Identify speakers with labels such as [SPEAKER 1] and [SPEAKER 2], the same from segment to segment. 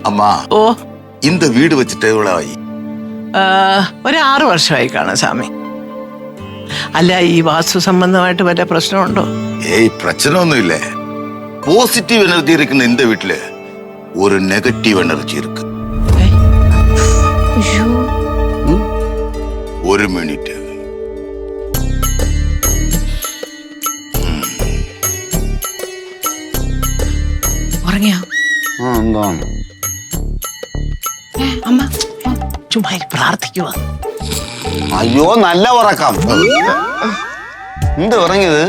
[SPEAKER 1] அம்மா
[SPEAKER 2] ഓ
[SPEAKER 1] இந்த வீடு வச்சுட்டு எவ்வளவு ஆகி?
[SPEAKER 2] ഒരു 6 വർഷമായി കാണാം സ്വാമി. അല്ല, ഈ വാസ്തു സംബന്ധമായിട്ട് വല്ല പ്രശ്നമുണ്ടോ?
[SPEAKER 1] ஏய் பிரச்சனை ஒண்ணும் இல்ல. பாசிட்டிவ் எனர்ஜி இருக்குன்னு இந்த வீட்டுல ஒரு நெகட்டிவ் எனர்ஜி இருக்கு. ஒரு மினிட்.
[SPEAKER 2] ഉറങ്ങിയോ
[SPEAKER 3] എന്താണ്?
[SPEAKER 2] അമ്മ? ചുമ്മാ പ്രാർത്ഥിക്കുക.
[SPEAKER 3] അയ്യോ, നല്ല ഉറക്കം. എന്ത് ഉറങ്ങിയത്?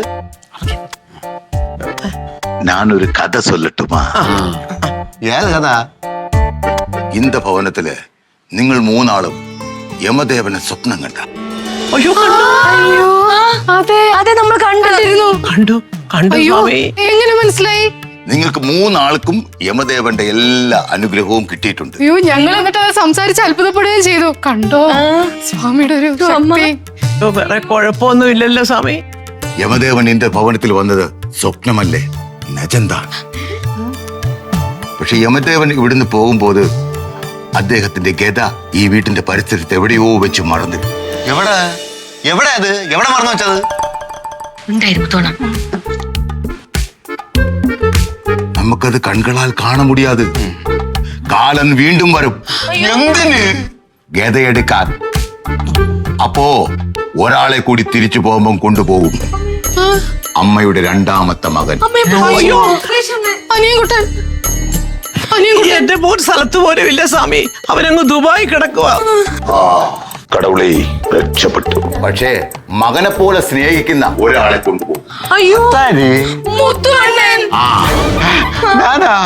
[SPEAKER 1] நான் ஒரு கதை சொல்லட்டுமா?
[SPEAKER 3] ഏത് കഥ?
[SPEAKER 1] இந்த ഭവനത്തില് നിങ്ങൾ മൂന്നാളും യമദേവനെ സ്വപ്നം കണ്ട.
[SPEAKER 2] അയ്യോ,
[SPEAKER 4] അയ്യോ, അതെ അതെ, നമ്മൾ കണ്ടിരുന്നു.
[SPEAKER 2] കണ്ടു കണ്ടു സ്വാമി.
[SPEAKER 4] എങ്ങനെ മനസ്സിലായി?
[SPEAKER 1] നിങ്ങൾക്ക് മൂന്നാൾക്കും യമദേവന്റെ എല്ലാ അനുഗ്രഹവും കിട്ടിയിട്ടുണ്ട്.
[SPEAKER 4] അയ്യോ, ഞങ്ങൾ എന്നിട്ട് അത് സംസാരിച്ച് അത്ഭുതപ്പെടുകയും ചെയ്തു. കണ്ടോ സ്വാമിയുടെ ഒരു ശക്തി.
[SPEAKER 2] വേറെ കുഴപ്പമൊന്നും ഇല്ലല്ലോ സ്വാമി.
[SPEAKER 1] യമദേവൻ എന്റെ ഭവനത്തിൽ വന്നത് സ്വപ്നമല്ലേ, നജന്താണ്. പക്ഷെ യമദേവൻ ഇവിടുന്ന് പോകുമ്പോൾ അദ്ദേഹത്തിന്റെ ഗത ഈ വീട്ടിന്റെ പരിസരത്ത് എവിടെയോ വെച്ച് മറന്നു.
[SPEAKER 3] എവിടെ എവിടെ അത് എവിടെ മറന്നു വെച്ചത്?
[SPEAKER 1] നമുക്കത് കൺകളാൽ കാണ മുടിയാത്. കാലൻ വീണ്ടും വരും.
[SPEAKER 3] എന്തിന്?
[SPEAKER 1] ഗതയെടുക്കാൻ. അപ്പോ ഒരാളെ കൂടി തിരിച്ചു പോകുമ്പം കൊണ്ടുപോകും. അമ്മയുടെ രണ്ടാമത്തെ മകൻ.
[SPEAKER 4] അനിയൻകുട്ടൻ.
[SPEAKER 2] എന്റെ മോൻ സ്ഥലത്ത് പോലും ഇല്ല സ്വാമി. അവനങ്ങ് ദുബായി കിടക്കുക.
[SPEAKER 1] കടവുളെ രക്ഷപ്പെട്ടു. പക്ഷേ മകനെ പോലെ സ്നേഹിക്കുന്ന ഒരാളെ കൊണ്ടുപോകും.
[SPEAKER 4] അയ്യോ, മുത്തുവണ്ണൻ.
[SPEAKER 3] ഞാനാ?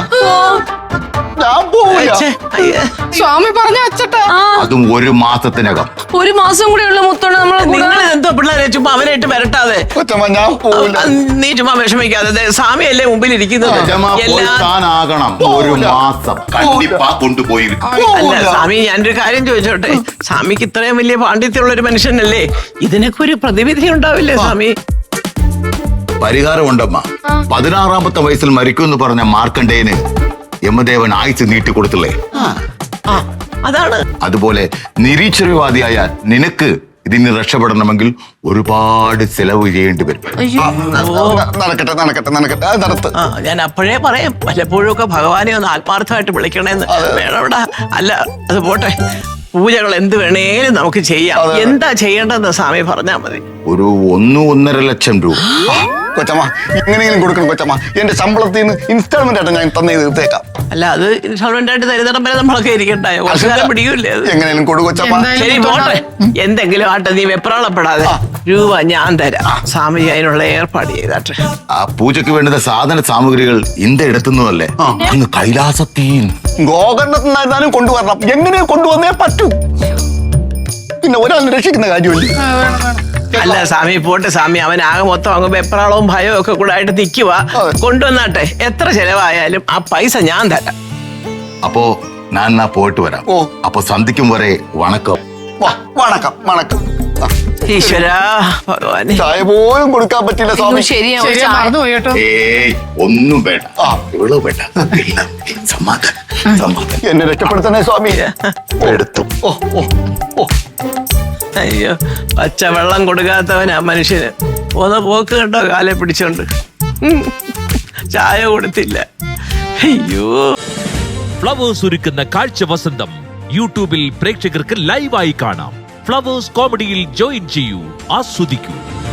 [SPEAKER 3] ഞാൻ പോവില്ല.
[SPEAKER 4] സ്വാമി പറഞ്ഞ അച്ചട്ടാ.
[SPEAKER 1] അതും 1 മാസത്തിനകം.
[SPEAKER 4] 1 മാസം കൂടെ ഉള്ള മുത്തോണ്ട് നമ്മളെ
[SPEAKER 2] നിങ്ങൾ എന്തോ പിള്ളേരെ ചുമ്മാ അവനായിട്ട് വരട്ടാതെ.
[SPEAKER 3] കൊച്ചമ്മ, ഞാൻ പോവില്ല.
[SPEAKER 2] നീ ചുമ്മാ വിഷമിക്കാതെ. സ്വാമിയല്ലേ മുമ്പിൽ ഇരിക്കുന്നത്.
[SPEAKER 1] താനാകണം 1 മാസം കണ്ടിപ്പാ കൊണ്ടുപോയി.
[SPEAKER 2] അല്ല സ്വാമി, ഞാനൊരു കാര്യം ചോദിച്ചോട്ടെ. സ്വാമിക്ക് ഇത്രയും വലിയ പാണ്ഡിത്യമുള്ള ഒരു മനുഷ്യനല്ലേ, ഇതിനൊക്കെ ഒരു പ്രതിവിധി ഉണ്ടാവില്ലേ സ്വാമി?
[SPEAKER 1] പരിഹാരമുണ്ടമ്മ. 16ാമത്തെ വയസ്സിൽ മരിക്കുമെന്ന് പറഞ്ഞ മാർക്കണ്ഡേയന് യമദേവൻ ആയുസ് നീട്ടിക്കൊടുത്തില്ലേ?
[SPEAKER 2] അതാണ്.
[SPEAKER 1] അതുപോലെ നിരീശ്വരവാദിയായ നിനക്ക് ഇതിന് രക്ഷപ്പെടണമെങ്കിൽ ഒരുപാട് ചെലവ് ചെയ്യേണ്ടി വരും.
[SPEAKER 3] നടക്കട്ടെ നടക്കട്ടെ നടക്കട്ടെ, അത് നടത്ത്.
[SPEAKER 2] ഞാൻ അപ്പോഴേ പറയാം, വല്ലപ്പോഴും ഒക്കെ ഭഗവാനെ ഒന്ന് ആത്മാർത്ഥമായിട്ട് വിളിക്കണേന്ന്. വേണവിടെ. അല്ല, അത് പോട്ടെ. പൂജകൾ എന്ത് വേണേലും നമുക്ക് ചെയ്യാം. എന്താ ചെയ്യേണ്ടതെന്ന് സ്വാമി പറഞ്ഞാ മതി.
[SPEAKER 1] ഒരു 1-1.5 ലക്ഷം രൂപ.
[SPEAKER 3] കൊച്ചമ്മ, എങ്ങനെയെങ്കിലും കൊടുക്കണം കൊച്ചമ്മ. എന്റെ ശമ്പളത്തിൽ നിന്ന് ഇൻസ്റ്റാൾമെന്റ് ആയിട്ട് ഞാൻ തന്നെ തീർത്തേക്കാം.
[SPEAKER 2] അല്ല, അത് ഇൻസ്റ്റാൾമെന്റ് ആയിട്ട് തരുന്നിടം വരെ നമ്മളൊക്കെ ഇരിക്കണ്ടായോ? കുറച്ചുകാലം പിടിക്കൂല്ലേ അത്?
[SPEAKER 3] എങ്ങനെയും കൊടു കൊച്ചമ്മ.
[SPEAKER 2] ശരി, പോട്ടെ. എന്തെങ്കിലും ആട്ടെ, നീ വെപ്രാളപ്പെടാതെ. രൂപ ഞാൻ തരാം. സ്വാമി അതിനുള്ള ഏർപ്പാട് ചെയ്താട്ടെ.
[SPEAKER 1] ആ പൂജയ്ക്ക് വേണ്ടുന്ന സാധന സാമഗ്രികൾ ഇന്ത എടുത്തുന്നതല്ലേ, അങ്ങ് കൈലാസത്തിൽ
[SPEAKER 3] ഗോകർണത്തിനായിരുന്നാലും കൊണ്ടുവരണം. എങ്ങനെ കൊണ്ടുവന്നേ പറ്റൂ. പിന്നെ ഒരാളിനെ രക്ഷിക്കുന്ന കാര്യമല്ലേ.
[SPEAKER 2] അല്ല സ്വാമി, പോട്ടെ സ്വാമി. അവനാകെ മൊത്തം അങ്ങ് വെപ്രാളവും ഭയവും ഒക്കെ കൂടെ ആയിട്ട് നിൽക്കുക. കൊണ്ടുവന്നാട്ടെ. എത്ര ചെലവായാലും ആ പൈസ ഞാൻ തരാം.
[SPEAKER 1] അപ്പോ ഞാൻ പോയിട്ട് വരാം. അപ്പൊ സന്ധിക്കും വരെ വണക്കം.
[SPEAKER 3] വണക്കം വണക്കം.
[SPEAKER 2] ഈശ്വരാ ഭഗവാനെ.
[SPEAKER 3] ചായ പോലും കൊടുക്കാൻ പറ്റില്ല സ്വാമി.
[SPEAKER 4] ശരിയാ, മറന്നുപോയി കേട്ടോ.
[SPEAKER 1] ഏയ് ഒന്നും വേണ്ട, ഇവളോ വേണ്ട. സമാധാനം സമാധാനം.
[SPEAKER 3] എന്നെ രക്ഷപ്പെടുത്തണേ സ്വാമി.
[SPEAKER 1] എടുത്തു.
[SPEAKER 2] അയ്യോ, പച്ചവെള്ളം കൊടുക്കാത്തവനാ മനുഷ്യന്. ഒന്ന് പോക്ക് കണ്ടോ, കാലെ പിടിച്ചോണ്ട്. ചായ കൊടുത്തില്ല. അയ്യോ.
[SPEAKER 5] ഫ്ലവേഴ്സ് ഒരുക്കുന്ന കാഴ്ച വസന്തം യൂട്യൂബിൽ പ്രേക്ഷകർക്ക് ലൈവായി കാണാം. ഫ്ലവേഴ്സ് കോമഡിയിൽ ജോയിൻ ചെയ്യൂ, ആസ്വദിക്കൂ.